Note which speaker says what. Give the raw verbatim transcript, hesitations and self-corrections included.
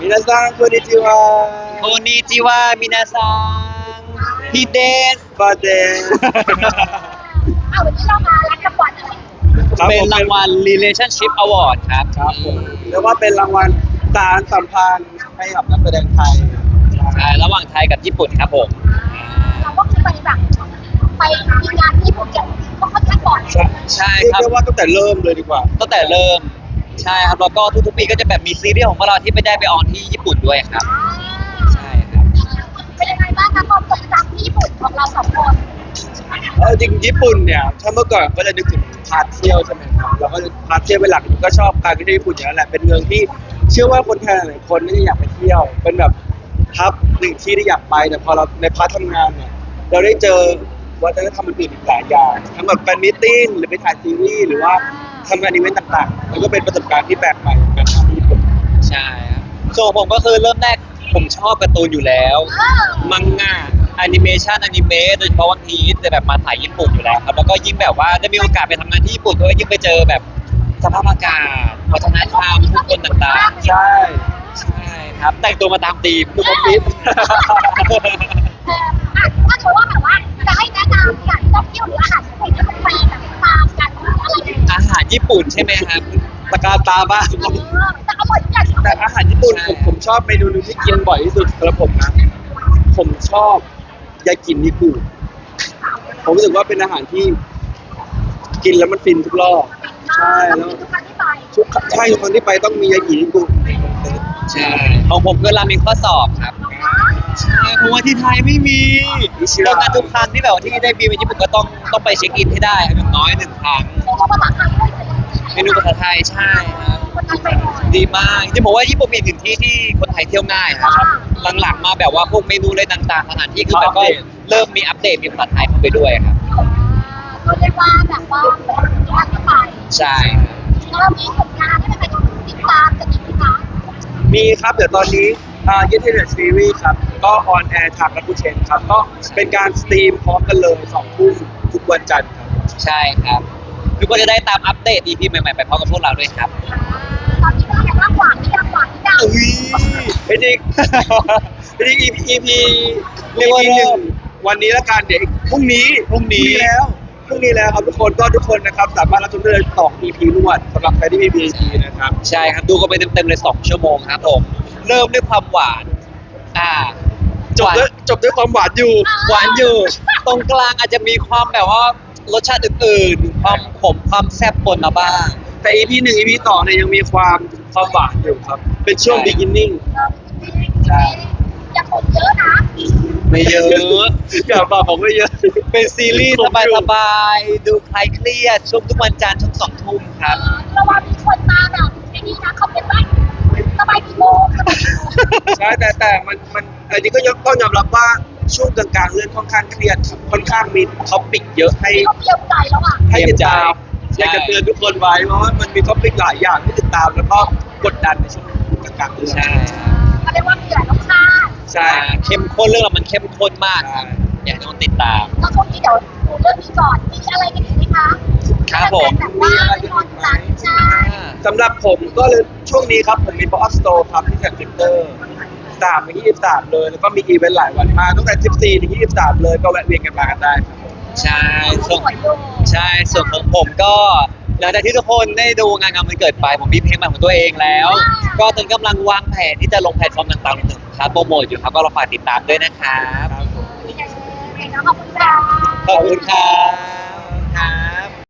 Speaker 1: 皆さんこんにちは
Speaker 2: โคนิจิวะมินาซังฮิเดส
Speaker 1: บาเดน
Speaker 3: เอาวันนี้เรามารับรางวัลอะไร
Speaker 2: เป็นรางวัล Relationship Award ครับ
Speaker 1: ครับผมเรียกว่าเป็นรางวัลสารสัมพันธ์ให้กับนักแสดงไทย
Speaker 2: ใช่ระหว่างไทยกับญี่ปุ่นครับผม
Speaker 3: เราก็คือไปแบบไปมีงานที่ผมจะก็ค่อนข้างบ่อย
Speaker 1: ใช่
Speaker 2: ใช่
Speaker 1: เรียก
Speaker 2: ครับ
Speaker 1: ได้ว่าตั้งแต่เริ่มเลยดีกว่า
Speaker 2: ตั้งแต่เริ่มใช่ครับแล้วก็ทุกๆปีก็จะแบบมีซีรีส์ของพวกเราที่ไปได้ไปออนที่ญี่ปุ่นด้วยครับใช่ครับ
Speaker 3: เป็นยังไงบ้างคะความทรงจำที่ญี่ปุ่นของเราสองคน
Speaker 1: เออจริงญี่ปุ่นเนี่ยถ้าเมื่อก่อนก็จะนึกถึงพาร์ทเที่ยวใช่ไหมครับเราก็จะพาร์ทเที่ยวเป็นหลักก็ชอบการไปเที่ยวญี่ปุ่นอย่างนั้นแหละเป็นเมืองที่เชื่อว่าคนไทยหลายคนน่าจะอยากไปเที่ยว เป็นแบบทับหนึ่งที่ที่อยากไปแต่พอเราในพาร์ททำงานเนี่ยเราได้เจอวัฒนธรรมอื่นๆอีกหลายอย่างทั้งแบบแฟนมิทติ้งหรือไปถ่ายซีรีส์หรือว่าทำงานอีเวนต์ต่างๆมันก็เป็นประสบการณ์ที่แปลกใหม่เหมือนกันครับที่ญี่ปุ่น
Speaker 2: ใช่ครับส่วนผมก็คือเริ่มแรกผมชอบการ์ตูนอยู่แล้ว
Speaker 3: เออ
Speaker 2: มังงะแอนิเมชันอนิเมะโดยเฉพาะวันพีซจะแบบมาถ่ายญี่ปุ่นอยู่แล้วครับแล้วก็ยิ่งแบบว่าได้มีโอกาสไปทำงานที่ญี่ปุ่นด้วยยิ่งไปเจอแบบสภาพอากาศวัฒนธรรมผู้คนต่างๆ
Speaker 1: ใช่
Speaker 2: ใช่ครับแต่งตัวมาตามธีม
Speaker 1: ดูคอมพิว
Speaker 3: เอออ่ะถ้าเกิดว่าแบบว่าจะให้แนะนำสถานที่ท่องเที่ยวหรืออาหารญี่ปุ่นที่ต้องไปแบบตามกันหรืออะไรอย่างเงี้ย
Speaker 2: อาหารญี่ปุ่นใช่ไหมครับ
Speaker 1: ตะการตาบ้าง
Speaker 3: เออแต่อร่อยทุกอย่าง
Speaker 1: แต่อาหารญี่ปุ่นผมผมชอบเมนูหนึงที่กินบ่อยที่สุดสำหรับผมนะ ผมชอบยากินิกุผมรู้สึกว่าเป็นอาหารที่กินแล้วมันฟินทุกรอบใช่แล้ว
Speaker 3: ทุกครั้งที่ไป
Speaker 1: ทุกใช่ทุกคนที่ไปต้องมียากินิกุ
Speaker 2: ใช่ของผมก็ราเมงข้อสอบครับใช่เพราะว่าที่ไทยไม่มีดังนั้นทุกครั้งที่แบบว่าที่ได้บินไปญี่ปุ่นก็ต้องต้องไปเช็คอินให้ได้ครับอย่างน้อยหนึ่งครั้ง
Speaker 3: โอ้ภาษาไทยด้วยสิ
Speaker 2: เมนูภาษาไทยใช่ครับ
Speaker 3: คนไทยไปบ่อย
Speaker 2: ดีมากจริงๆผมว่าญี่ปุ่นเป็นหนึ่งที่ที่คนไทยเที่ยวง่ายนะครับหลังๆมาแบบว่าพวกเมนูอะไรต่างๆสถานที่คือแบบก็เริ่มมีอัปเดตมีภาษาไทยเข้าไปด้วยครับ
Speaker 3: ก็เรียกว่าแบบว่าเป็นทุกครั้งที่ไป
Speaker 2: ใช่
Speaker 3: แล้วเรามีผลงานให้เป็นติดตามกันอีกไหมคะ
Speaker 1: มีครับเดี๋ยวตอนนี้อ่าเยนเทเลซีรีส์ครับก็ออนแอร์ทางรักกูเชนครับก็เป็นการสตรีมพร้อมกันเลยสองทุ่มทุกวันจันทร์ครับ
Speaker 2: ใช่ครับทุกคนจะได้ตามอัปเดต อี พี ใหม่ๆไปพร้อมกับพวกเราด้วยครับ
Speaker 3: ตอนนี้ก็ยังว่าหวานที่ยังหวานที่ยัง
Speaker 2: อุ้ย
Speaker 1: เป็นอีกเป็นอีก อี พี อี พี
Speaker 2: เรียกว่าเริ่
Speaker 1: หนึ่ง
Speaker 2: ม
Speaker 1: วันนี้ละกันเดี๋ยวพรุ่งนี้
Speaker 2: พรุ่งนี้
Speaker 1: แล้วพรุ่งนี้แล้วครับทุกคนก็ทุกคนนะครับสามารถรับชมได้เลยต่อ อี พี รวดสำหรับใครที่มี พี พี นะครับ
Speaker 2: ใช่ครับดูกันไปเต็มๆเลยสองชั่วโมงครับผมเริ่มด้วยความหวานอ่า
Speaker 1: จบด้วยจบด้วยความหวานอยู่
Speaker 2: หวานอยู่ ตรงกลางอาจจะมีความแบบว่ารสชาติอื่นๆความขมความแซ่บปนมาบ้าง
Speaker 1: แต่ อี พี หนึ่ง อี พี สองเนี่ยยังมีความความหวานอยู่ครับ เป็นช่วง
Speaker 2: ใช่
Speaker 1: beginning
Speaker 3: ใช่ยังผมเยอะนะ
Speaker 2: ไม่เยอะ
Speaker 1: อย่าบอกผมไม่เยอะ
Speaker 2: เป็นซีรีส์สบายๆดูคลายเครียดช่วงทุกวันจันทร์ช่วงสองทุ่มครับ
Speaker 3: ระวังมีคนมาแบบไอ้นี่นะเขาเป็นว่าสบายกี่โมงสบายกี่โมง
Speaker 1: ใช่แต่แต่มันมันอันนี้ก็ยกต้องยอมรับว่าช่วงกลางๆเรื่องค่อนข้างเครียดครับค่อนข้างมีท็อปิกเยอะให้
Speaker 3: เขาเตรียมใจแล้วอ่ะ
Speaker 1: ให้ติดตาม
Speaker 2: ใช่
Speaker 1: อยากจะเตือนทุกคนไว้เพราะว่ามันมีท็อปิกหลายอย่างที่ติดตามแล้วก็กดดันในช่วงกลางๆเรื่อง
Speaker 2: ใช่
Speaker 3: เขาเรียกว่ามีหลายรสชาติ
Speaker 1: ใช่
Speaker 2: เข้มข้นเรื่องเรามันเข้มข้นมากครับอยากให้ทุกคนติดตาม
Speaker 3: แล้วช่วงนี้เดี๋ยวดูเรื่องนี้ก่อนมีอะไรกันอีกไหมคะ
Speaker 2: ครับผม
Speaker 3: แบบว่าตอนหลังใช่
Speaker 1: สำหรับผมก็เลยช่วงนี้ครับผมมี Pop Up Store ครับที่แฟลตเซ็นเตอร์สามถึงยี่สิบสามเลยแล้วก็มีอีเวนต์หลายวันมากตั้งแต่สิบสี่ถึงยี่สิบสามเลยก็แวะเวียนกันมากันได้ครับ
Speaker 2: ใช่ส่วน
Speaker 3: สวยอยู่
Speaker 2: ใช่ส่วนของผมก็หลังจากที่ทุกคนได้ดูงานงานมันเกิดไปผมมีเพลงใหม่ของตัวเองแล้ว ก็ตอนนกำลังวางแผนที่จะลงแพลตฟอร์มต่างๆหนึ่งครับโปรโมทอยู่ครับก็รอฝากติดตามด้วยนะครับ
Speaker 3: ขอบคุณค่ะ
Speaker 2: ขอบคุณครับ